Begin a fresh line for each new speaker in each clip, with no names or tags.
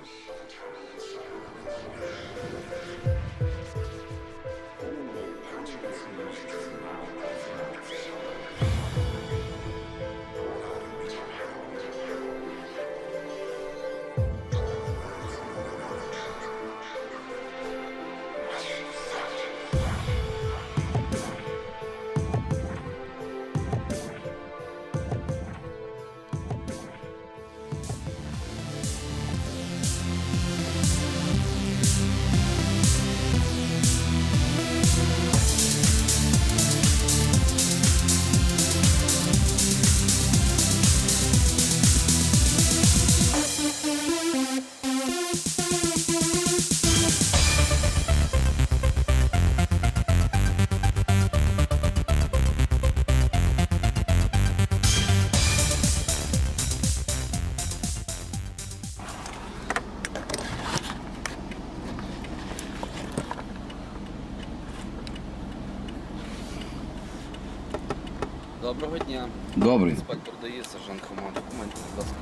Доброго дня.
Добрий.
Інспектор дає, сержант Хома. Документи, будь ласка.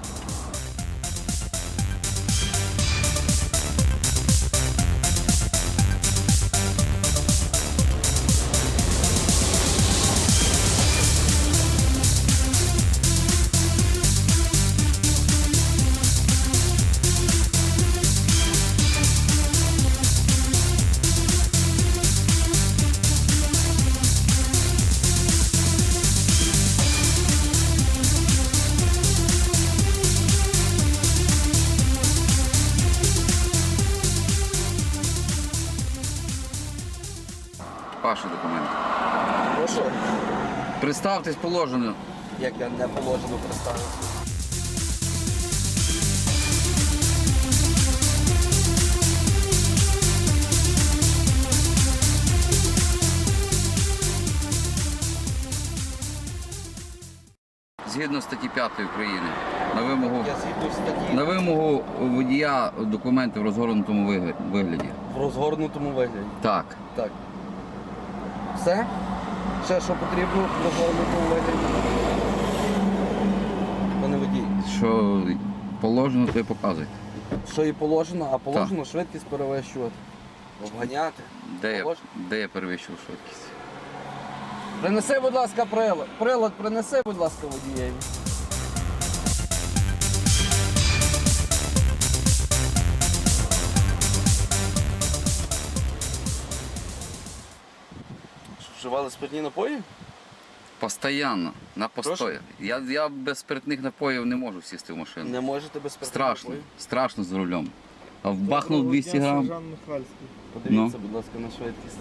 Ваші документи.
Прошу.
Представтесь положено.
Як я не положено представився.
Згідно статті 5 України, на
Я згідно статті
вимогу водія документи в розгорнутому вигляді.
в розгорнутому вигляді.
Так.
Так. Все? Ще що потрібно в розгорнутому вигляді? Пане водій.
Що положено, то й показуйте.
Що і положено, а положено швидкість перевищувати. Обганяти.
Де я перевищив швидкість?
Принеси, будь ласка, прилад. Прилад принеси, будь ласка, водієві. Що, вживали спиртні напої?
Постоянно, на постої. Я без спиртних напоїв не можу сісти в машину.
Не можете без спиртних
Страшно,
напоїв?
страшно за рулем. А вбахнув 200 грам.
Сержант Михальський.
Подивіться, будь ласка, на швидкість.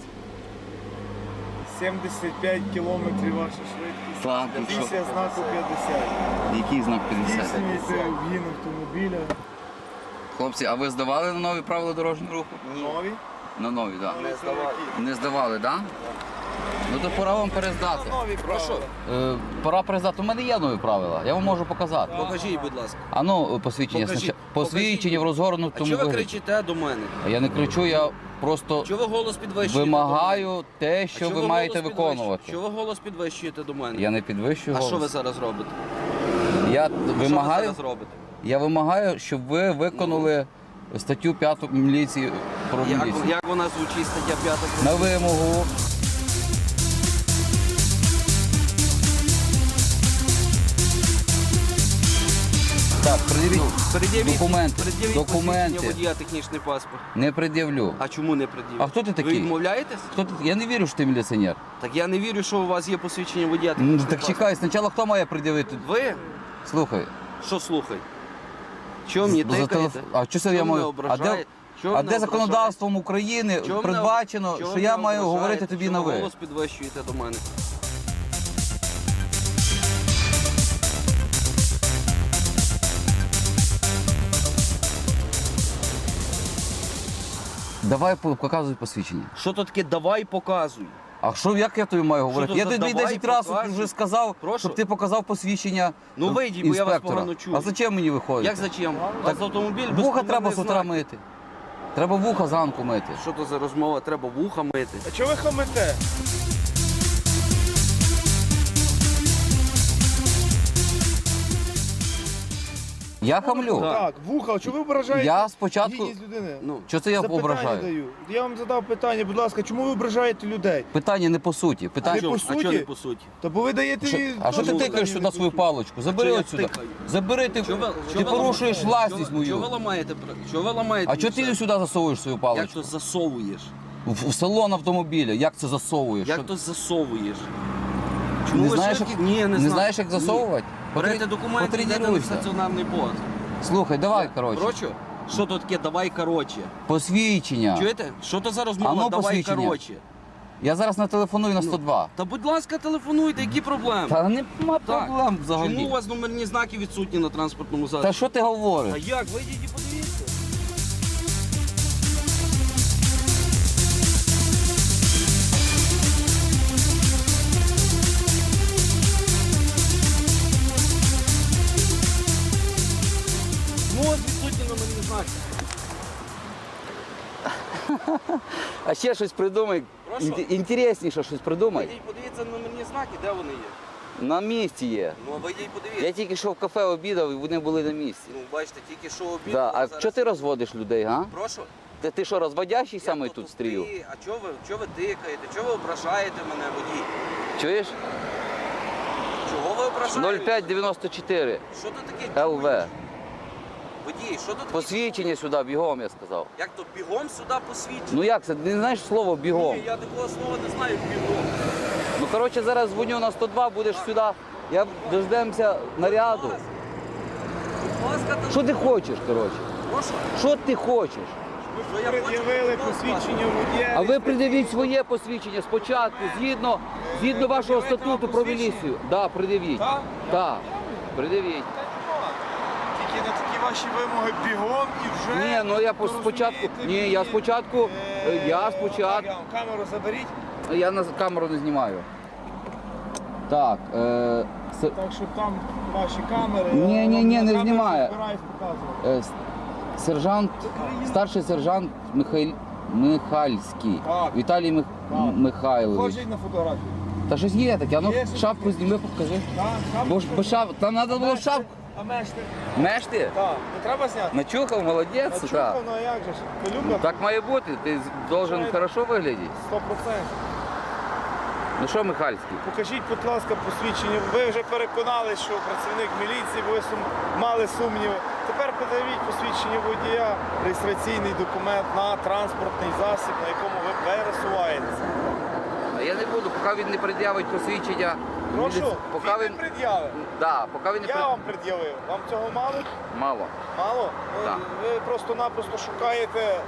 75 кілометрів ваша швидкість.
Так, і що?
Після знаку 50.
Який знак 50?
Здійснюєте вгін автомобіля.
Хлопці, а ви здавали на нові правила дорожнього руху?
Нові.
На нові, так.
Не здавали.
Не здавали, так? Ну то пора вам перездати.
Нові
Прошу.
Пора перездати. У мене є нові правила, я вам можу показати.
Покажіть, будь ласка.
А ну, посвідчення.
Покажіть,
Посвідчення в
А
розгорнутому
чого ви
вигляді.
кричите до мене?
Я не кричу, я просто
Чого ви голос підвищуєте?
вимагаю те,
до
що
мене?
ви
Чого
маєте
голос
виконувати.
Чого ви голос підвищуєте до мене?
Я не підвищую
А що ви
голос.
зараз робите?
Я
Що ви
вимагаю,
зараз робите?
я вимагаю, щоб ви виконали статтю 5 міліції про міліцію.
Як вона звучить, стаття 5?
На вимогу. Так, пред'явіть документи. Документи.
Водія, технічний паспорт.
Не пред'явлю.
А чому не пред'явити?
А хто ти такий?
Ви відмовляєтесь?
Хто ти? Я не вірю, що ти міліціонер.
Так я не вірю, що у вас є посвідчення водія.
Ну,
технічний
так
паспорт.
чекай, спочатку хто має пред'явити?
Ви?
Слухай.
Що слухай? Чого мені тикаєте?
А що це я
Чого мене
маю?
ображаєте? Чого
А
мене
де законодавством України
Чого мене-
передбачено,
чого
що я
мене
маю
ображаєте?
говорити тобі на
Чого
ви?
голос підвищуєте до мене?
Давай показуй посвідчення.
Що то таке давай показуй?
А що, як я тобі маю говорити?
то
Я
за
тобі
давай
10 разів
показуй?
вже сказав,
Прошу?
щоб ти показав посвідчення
Ну, вийдіть, бо я вас
інспектора.
погано чую.
А зачем мені виходити?
Як зачем? У вас автомобіль без
Вуха треба з
номерних
утра
знаків.
мити. Треба вуха зранку мити.
Що то за розмова? Треба вуха мити.
А чого ви хамите?
Я хамлю.
Так, вуха, чому ви ображаєте
Я спочатку.
гідність людини?
Ну,
Що це я
Запитання
ображаю?
даю. Я вам задав питання, будь ласка, чому ви ображаєте людей?
Питання не по суті.
Не
Питання.
по
а
суті?
чого не по суті?
Та бо ви даєте...
Що-
мені
А що ти
теж
тикаєш
питання
сюди
не
свою
по суті.
паличку? Забери
Чого я
от сюди.
тикаю?
Забери, ти порушуєш власність мою.
Чого ви ламаєте? Чого ви ламаєте?
А чого ти сюди засовуєш свою
Як
паличку?
то засовуєш?
В салон автомобіля. Як це засовуєш?
Як
Що-
то засовуєш?
Не
ви
знаєш,
швидкі?
як...
Ні, не знаю.
знаєш, як
Ні.
засовувати?
Берете документи, йдете на
Потренуйся.
стаціонарний пост.
Слухай, давай, коротше.
Коротше, що то таке? Давай, коротше.
Посвідчення.
Чуєте? Що то за розмова?
А ну,
Давай,
посвідчення.
коротше.
Я зараз нателефоную на 102.
Та будь ласка, телефонуйте, які проблеми?
Та нема
Так.
проблем
Чому у
взагалі.
вас номерні знаки відсутні на транспортному засобі?
Та що ти
А
говориш?
як? Вийдіть і подивіться. Ну, ось відсутні номерні знаки.
А ще щось придумай.
Прошу?
Інтересніше щось придумай.
Вийдіть, подивіться номерні знаки, де вони є.
На місці є.
Ну, вийдіть, подивіться.
Я тільки що в кафе обідав і вони були на місці.
Ну, бачите, тільки що обід.
Да. А
зараз-
чого ти розводиш людей, га?
Прошу?
Ти що, розводящий саме
Я то
тут
тупий.
стрію?
А чого ви тикаєте? Чого ви ображаєте мене, водій?
Чуєш?
Чого ви ображаєте?
0594
Що ти таке
ЛВ.
чуєш? Водій, що ти таке?
Посвідчення сюди, бігом, я сказав.
Як то бігом сюди посвідчення?
Ну як це? Ти не знаєш слово бігом?
Ні, я такого слова не знаю, бігом.
Ну коротше, зараз дзвоню на 102, будеш сюди. Я дождемося наряду.
Будь ласка,
Що ти хочеш, коротше?
Прошу.
Що ти хочеш?
Що я хочу?
Пред'явили
будь ласка.
посвідчення водія.
А ви придивіть своє посвідчення спочатку, згідно вашого
Пред'явити вам
статуту про
посвідчення?
міліцію. Да, придивіть.
Так?
Так, придивіть.
Тільки на такі ваші вимоги бігом і вже...
Ні, ну я
то
спочатку.
розумієте,
Ні, я
мені,
спочатку. Я
так,
спочатку.
камеру заберіть,
Я на камеру не знімаю. Так.
так щоб там ваші камери...
Ні,
я
ні,
вам
ні,
на
не
камеру
знімає.
збираюсь показувати.
Сержант, старший сержант Михальський.
Так.
Віталій Михайлович.
Хочуть на фотографію?
Та щось є таке, а ну
Є щось
шапку
таке?
зніми, покажи.
Так, там...
Бо шап, там треба було шапку.
А мешти?
Меш ти?
Так, не треба зняти?
Начухав, молодець.
А
так.
чухав, ну а як же ж? Пилюка
Так має бути, ти должен
Правильно.
хорошо виглядати.
100%.
Ну що, Михальський?
Покажіть, будь ласка, посвідчення. Ви вже переконались, що працівник міліції, бо ви мали сумніви. Тепер подивіть посвідчення водія, реєстраційний документ на транспортний засіб, на якому ви пересуваєтеся.
А я не буду, поки він не пред'явить посвідчення.
Прошу,
Поки
він
він...
не пред'явив.
Да, поки він не
Я вам пред'явив. Вам цього мало?
Мало.
Мало?
Так.
Ви просто-напросто шукаєте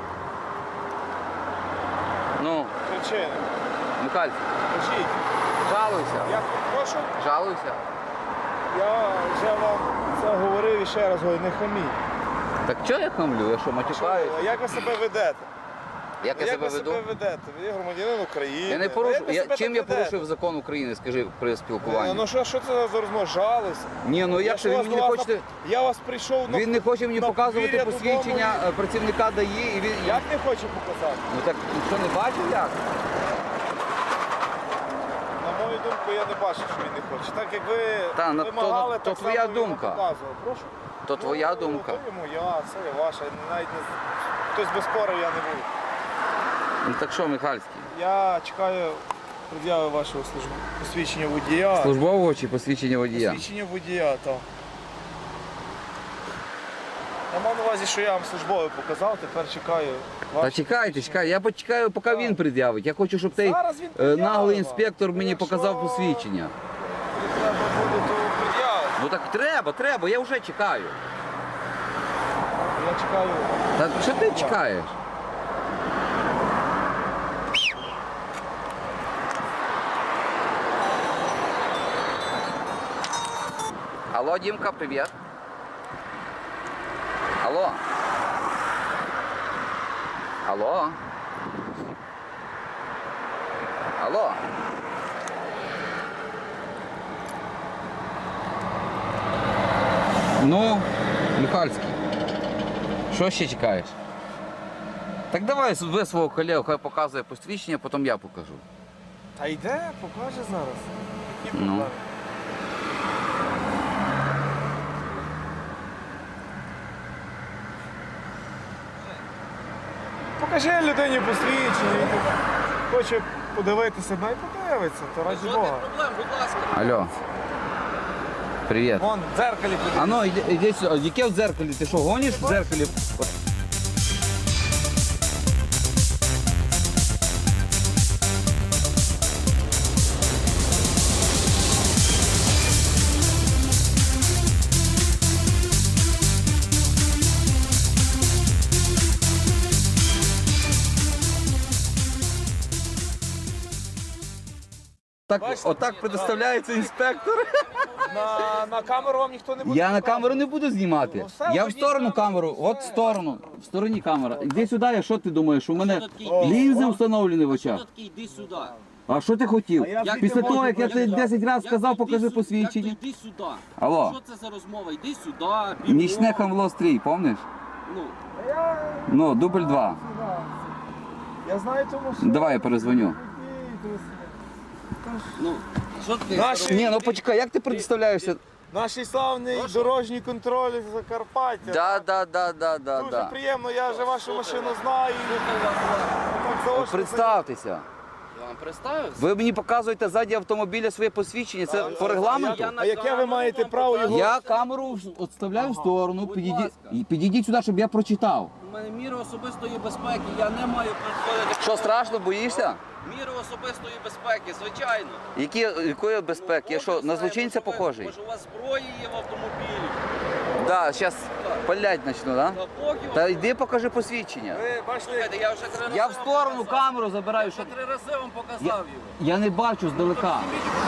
Ну,
причини.
Михальський,
Кажіть,
жалуйся.
я прошу,
Жалуйся.
я вже вам це говорив і ще раз говорю, не хаміть.
Так чого я хамлю? Я що, матюкаюсь?
Як ви себе ведете?
Як я
Як
себе
ви
веду?
себе ведете? Ви є громадянин України.
Я не
Як
порушу.
ви себе
Чим
так
я
ведете?
порушив закон України, скажи при спілкуванні?
Ну що це за розмова? Жалися?
Ні, ну як
що
же
вас
він мені
до
не
вас
хоче.
Я вас прийшов на...
Він не хоче мені
на
показувати
подвір'я
посвідчення
додому.
працівника ДАІ і він.
Як не хоче показати?
Ну так що не бачив як?
На мою думку, я не бачу, що він не хоче. Так як ви
Та, ну,
вимагали,
то
так
твоя
само він вам
думка.
показував. Прошу?
То твоя
Ну,
думка.
То і моя, це і ваша. Навіть не... Хтось би спорив, я не буду.
Ну так що, Михальський?
Я чекаю пред'яви вашого посвідчення водія.
Службового чи посвідчення водія?
Посвідчення водія, так. Я мав на увазі, що я вам службове показав, тепер чекаю.
Та
ваше
чекайте,
посвідчення.
чекай. Я почекаю, поки він пред'явить. Я хочу, щоб цей
Зараз він пред'явить
наглий
вам.
інспектор мені
Якщо
показав посвідчення.
Треба буде, то пред'явити.
Ну так треба, я вже чекаю.
Я чекаю.
Та що ти чекаєш? Алло, Димка, привет. Алло. Алло. Алло. Ну, Михальський, що ще чекаєш? Так давай ви свого колегу, хай показує посвідчення, потім я покажу.
Та йде, покаже зараз. Які
Ну.
проблеми? покажи людині посвідчення, він тут хоче подивитися, і подивиться, то раді
Жодних
Бога.
проблем, будь ласка.
Алло. Привіт.
Вон, в дзеркалі подивися.
А ну, іди сюди. Яке в дзеркалі? Ти що, гониш в дзеркалі? Так, отак предоставляється інспектор.
На камеру вам ніхто не буде.
Я на камеру не буду знімати.
Ну, все,
Я в
ходіть
сторону
на
камеру, от в сторону. В стороні камера. Іди сюди, а що ти думаєш? У мене
Що такий?
лінзи встановлені в
Що
очах.
такий, йди сюди.
А що ти хотів?
А я
Як
Після
ти
того,
можеш
як я тобі 10 разів сказав, покажи
Як
посвідчення.
то йди сюди.
Алло.
Що це за розмова? Йди сюди, бігом.
Нічне хамло стрій, помниш?
Ну,
Ну, дубль 2.
Я знаю тому, що...
Давай я перезвоню.
ну, що ти?
Наші-
Ні, ну почекай, як ти представляєшся?
Наш славний дорожній контроль Закарпаття.
Да.
Дуже приємно, я вже вашу машину знаю. Так заочно
Представтеся.
Я вам представився?
Ви мені показуєте ззаді автомобіля своє посвідчення. Це по регламенту?
А яке ви маєте право його?
Я камеру відставляю в сторону,
Будь
підійдіть,
ласка.
і підійдіть сюди, щоб я прочитав.
У мене міри особистої безпеки, я не маю підходити.
Що, страшно, боїшся?
Міри особистої безпеки, звичайно.
Якої безпеки? Я що, на злочинця похожий?
Може у вас зброї є в автомобілі?
Да, зараз палять почну, да?
Та поки
Та
вас...
йди покажи посвідчення.
Ви бачите,
Слухайте, я вже 3 рази
Я в
вам
сторону
показав.
камеру забираю,
Я
що...
вже 3 рази вам показав його.
Я не бачу здалека.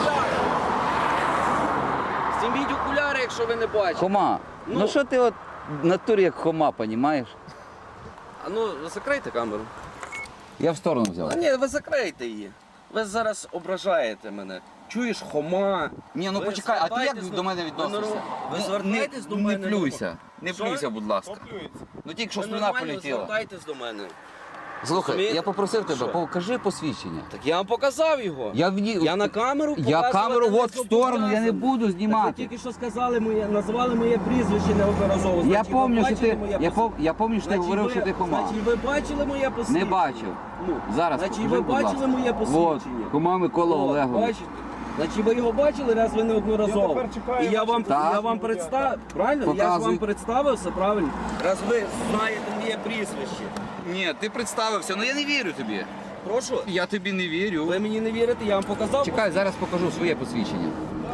Зніміть окуляри, якщо ви не бачите.
Хома, ну що ти от в натурі як хома, понімаєш?
А ну, закрийте камеру.
Я в сторону
А
взяв.
ні, ви закрийте її. Ви зараз ображаєте мене. Чуєш, хома.
Ні, ну
Ви
почекай, а ти як
звертайтесь
до мене
ви
відносишся?
ви
Не-
звертайтесь до
не
мене.
плюйся, не
Що?
плюйся, будь ласка.
поплюється.
Ну тільки що
Ви
слюна
нормально
полетіла.
звертайтесь до мене.
Слухай,
Розумієте?
я попросив тебе,
Що?
покажи посвідчення.
Так я вам показав його.
Я
на камеру
Я
показувати
камеру
не
от в сторону, я не
зобов'язаний.
буду
Ви
знімати.
тільки що сказали моє, назвали моє прізвище неодноразово.
Я
Значить, ви
пам'ятаю, що
бачили
ти,
моє
я
посвідчення?
пам'ятаю, що ти
Значить,
говорив,
ви-
що ти хома.
Значить, ви бачили моє посвідчення?
Не бачив.
Ну,
Зараз
значить,
покажи,
ви
будь ласка.
бачили моє посвідчення?
От, хома Микола
О,
Олегович.
Бачите? Значить, ви його бачили раз ви неодноразово.
Я тепер чекаю,
І я вам,
Так.
я вам представив, правильно? Я ж
Показуй.
вам представився, правильно? Раз ви знаєте моє прізвище.
Ні, ти представився, але я не вірю тобі.
Прошу,
Я тобі не вірю.
ви мені не вірите, я вам показав.
Чекай, зараз покажу своє посвідчення.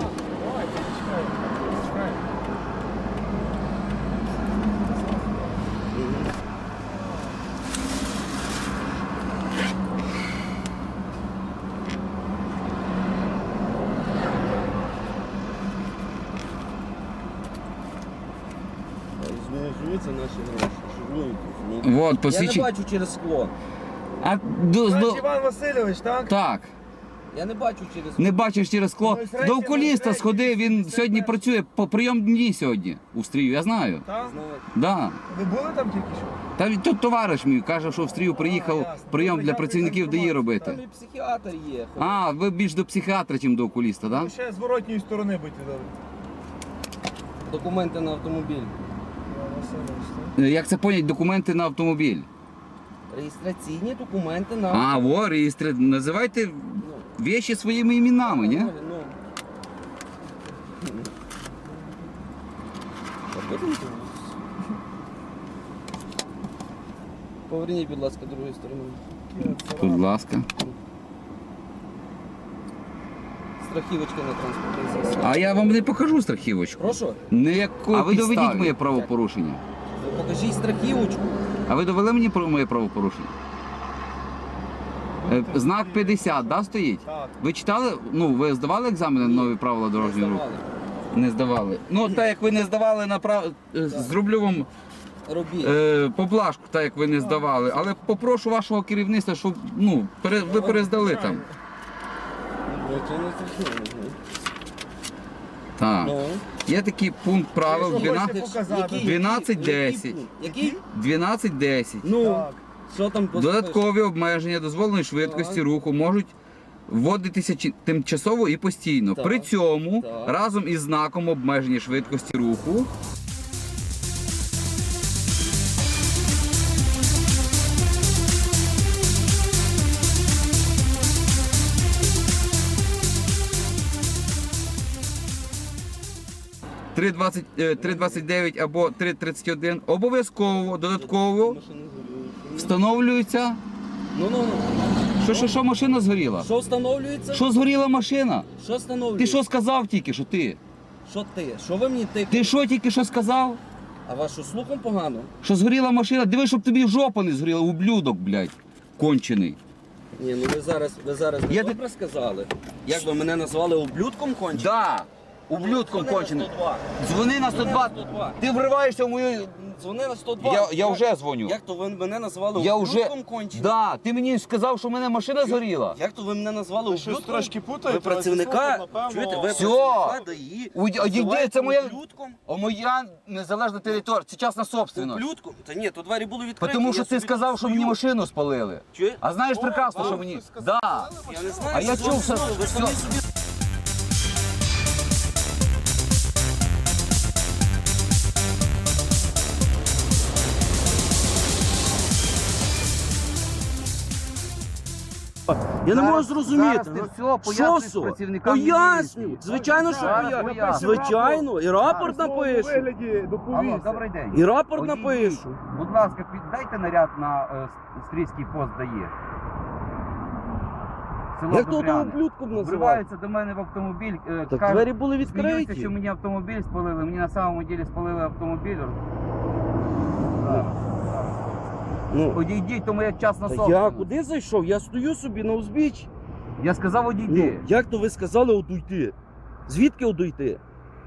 Жуються наші гроші, жують.
Вот,
Я не
посвідчення.
бачу через скло.
А,
Значить, Іван Васильович, так?
так,
Я не бачу через скло.
не бачиш через скло. До окуліста сходи, він сьогодні працює по прийом дні сьогодні у стрію, я знаю.
Так?
Да.
Ви були там тільки що?
Та він тут товариш мій каже, що в стрію приїхав прийом для працівників ДАІ
Там
робити.
і психіатр є.
А, ви більш до психіатра, ніж до окуліста, так?
Ви ще з воротньої сторони будьте добрі.
Документи на автомобіль.
Іван Васильович, так?
Да? Як це понять, документи на автомобіль?
Реєстраційні документи на
А, во, реєстр... Називайте вещи своїми іменами, ні?
Ну. Поверніть, будь ласка, другою стороною.
Будь ласка.
Страхівочка на транспортний засіб.
А я вам не покажу страхівочку.
Прошу,
Ніякої
А ви доведіть
підставі.
моє правопорушення.
ви покажіть страхівочку.
А ви довели мені про моє правопорушення? Знак 50, да, стоїть?
Так.
Ви читали, ну, ви здавали екзамени на нові правила дорожнього руху? Не здавали. Ну, так як ви не здавали на зроблю вам
Робіть.
поблажку, так як ви не здавали. Але попрошу вашого керівництва, щоб ну, ви перездали там. Так.
Ну.
Є такий пункт правил
Що хочете
12.
показати?
12-10.
Який?
12-10.
Ну,
Так.
що там
Додаткові обмеження дозволеної швидкості
Так.
руху можуть вводитися тимчасово і постійно.
Так.
При цьому
Так.
разом із знаком обмеження швидкості руху 3,29 або 3,31, обов'язково додатково встановлюється.
Ну.
Що машина згоріла?
Що встановлюється?
Що згоріла машина?
Що встановлюється?
Ти що сказав тільки, що ти?
Що ти? Що ви мені тикаєте?
Ти що тільки що сказав?
А вашу слухом погано?
Що згоріла машина? Диви, щоб тобі жопа не згоріла, ублюдок, блядь, кончений.
Ні, ну ви зараз не
Я
добре сказали. Як ви мене назвали ублюдком конченим?
Да, ублюдком
Дзвони на
конченим.
102.
Дзвони на 102.
Дзвони на 102.
Ти вриваєшся в мою...
Дзвони на 102.
Я вже дзвоню.
Як то ви мене назвали
Я вже...
ублюдком конченим?
Да, ти мені сказав, що в мене машина згоріла.
Як то ви мене назвали
Ви щось
ублюдком?
трошки путаєте,
Ви працівника,
але напевно-
чуєте, ви
Всьо.
працівника ДАІ
Одійди,
називаєте
це моя...
ублюдком?
Моя незалежна територія, це частна собственность.
Ублюдком? Та ні, то двері були відкриті.
Тому що
я
ти
собі
сказав,
тут
що мені
стою.
машину спалили.
Чує?
А знаєш прекрасно,
вам
що мені...
хтось сказав,
Да.
Я не знаю,
А я
що
чув,
ви
що...
сказали. Ви самі собі... Я не можу зрозуміти.
Зараз ти
ну,
все
що
поясниш
со?
працівникам
Поясню.
міліції.
Звичайно, що
Зараз
поясню.
поясню.
Звичайно, і рапорт напишу.
Алло, добрий день.
І рапорт
Одійдіть.
напишу.
Будь ласка, піддайте наряд на Стрийський пост дає. Село
Як то того
Добряне.
ублюдком називають?
Вриваються до мене в автомобіль.
Так
кажуть,
двері були
сміються,
відкриті.
що мені автомобіль спалили. Мені на самому ділі спалили автомобіль. Зараз.
Ну,
Одійдіть, тому я частна
та я
собственность.
куди зайшов? Я стою собі на узбіччі.
Я сказав,
Ну,
одійди.
як то ви сказали одійти? Звідки одійти?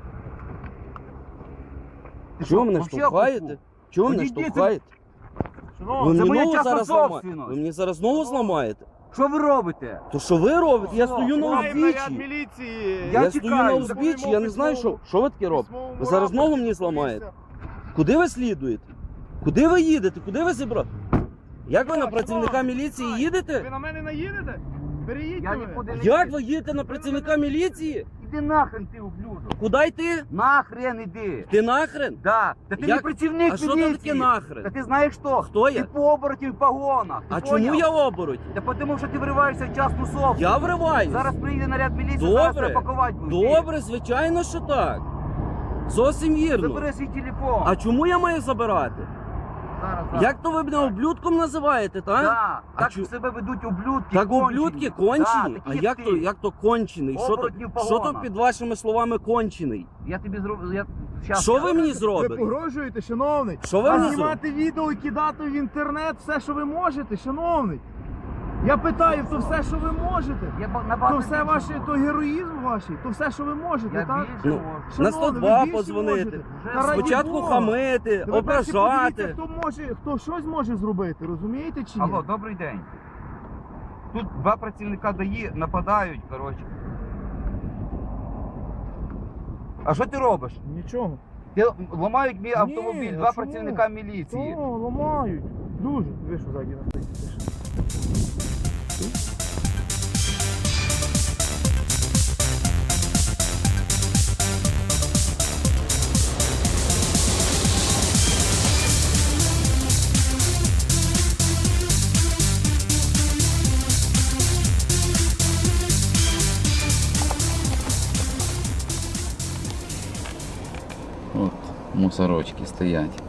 Ти
Чого мене
вообще
штовхаєте?
охуєв?
Чого мене
Одійдіть,
штовхаєте? Ви
це
мені
моя
ногу
частна
зараз зламаєте?
собственность.
Ви мені зараз ногу зламаєте?
Що ви робите?
То що ви робите? Я стою на
Маємо наряд
узбіччі.
міліції.
Я
Я стою
тікаю.
на узбіччі, я не знаю, що ви таке робите. Ви зараз ногу мені зламаєте. Куди ви слідуєте? Куди ви їдете? Куди ви зібрали? Як ви на працівника міліції їдете?
Ви на мене наїдете? Переїдьте
Я
ви.
нікуди не
Як
їду.
ви їдете на працівника міліції?
Іди нахрен ти, ублюдок.
Куди йти?
Нахрен іди.
Ти нахрен?
Да. Та ти
Як?
не працівник
А що
міліції.
там таке нахрен?
Та ти знаєш хто?
Хто я?
Ти по оборотів в погонах. Ти
А
поняв?
чому я обороть?
Та тому що ти вириваєшся в частну собственность.
Я вриваюсь.
Зараз приїде наряд міліції,
Добре.
зараз тебе пакувати будуть.
Добре, звичайно, що так. Зовсім вірно.
Забери свій телефон.
А чому я маю забирати?
Зараз.
Як то ви мене ублюдком називаєте, так?
Да.
А
Так
чу-
себе ведуть ублюдки.
Так
кончені.
ублюдки кончені?
Да,
А
такі
як
ти.
то, як то кончений?
Оборотні в
Що то
погонах.
під вашими словами кончений?
Я тобі зроблю. Щас.
Що ви мені
Ви
зробите?
погрожуєте, шановний?
Що ви мені зробите?
знімати відео і кидати в інтернет все, що ви можете, шановний. Я питаю, то все, що ви можете?
Я
То
набагато
все
більше
ваше,
можу.
то героїзм ваш, то все, що ви можете,
Я
так?
більше
Ну,
можу.
На
Шановний,
102
ви більше
подзвонити.
можете.
Вже
Та раді
Спочатку
Бога.
хамити,
Ви перше
ображати.
подивіться, хто щось може зробити, розумієте чи ні?
Алло, добрий день. Тут два працівника ДАІ нападають, коротше. А що ти робиш?
Нічого.
Ти ламають мій автомобіль,
а
два
чому?
працівника міліції.
О, ламають. Дуже. Ви що ззаді нас стоїть?
От, мусорочки стоять.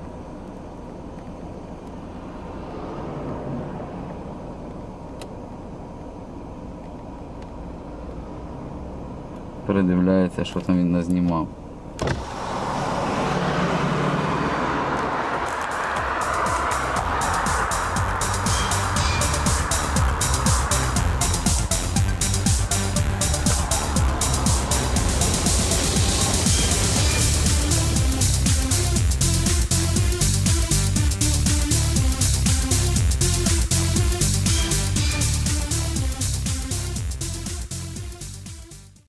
Передивляється, що там він назнімав.